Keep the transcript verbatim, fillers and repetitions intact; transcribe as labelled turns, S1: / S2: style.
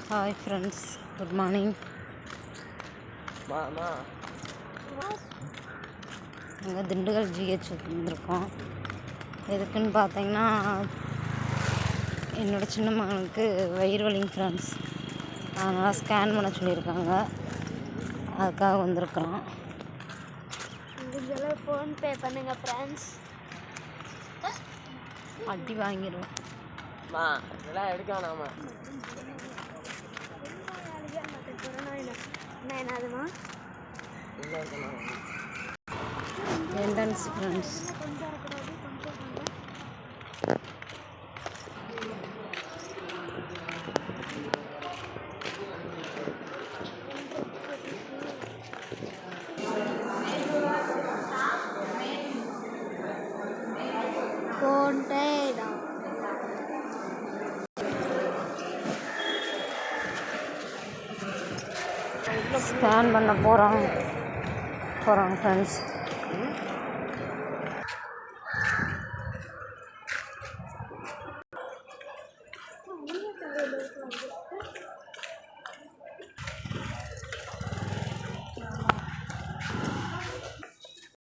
S1: Hi friends, good morning. நாங்கள் Dindigul GH வந்திருக்கோம். எதுக்குன்னு பார்த்தீங்கன்னா, என்னோடய சின்ன மகனுக்கு வயிறு வலிங்க ஃப்ரெண்ட்ஸ். அதனால் ஸ்கேன் பண்ண சொல்லியிருக்காங்க. அதுக்காக வந்திருக்கிறோம்.
S2: முடிஞ்சளவு ஃபோன்பே பண்ணுங்க ஃப்ரெண்ட்ஸ்.
S1: அடி வாங்கிடுவோம்.
S3: இதெல்லாம் எடுக்க வேணாமா?
S2: என்னதுமா
S1: என்ட்ரன்ஸ் ஃப்ரெண்ட்ஸ்.
S2: ஃபோன்பே தான்.
S1: ஸ்கேன் பண்ண போகிறோம் போகிறோம் ஃப்ரெண்ட்ஸ்.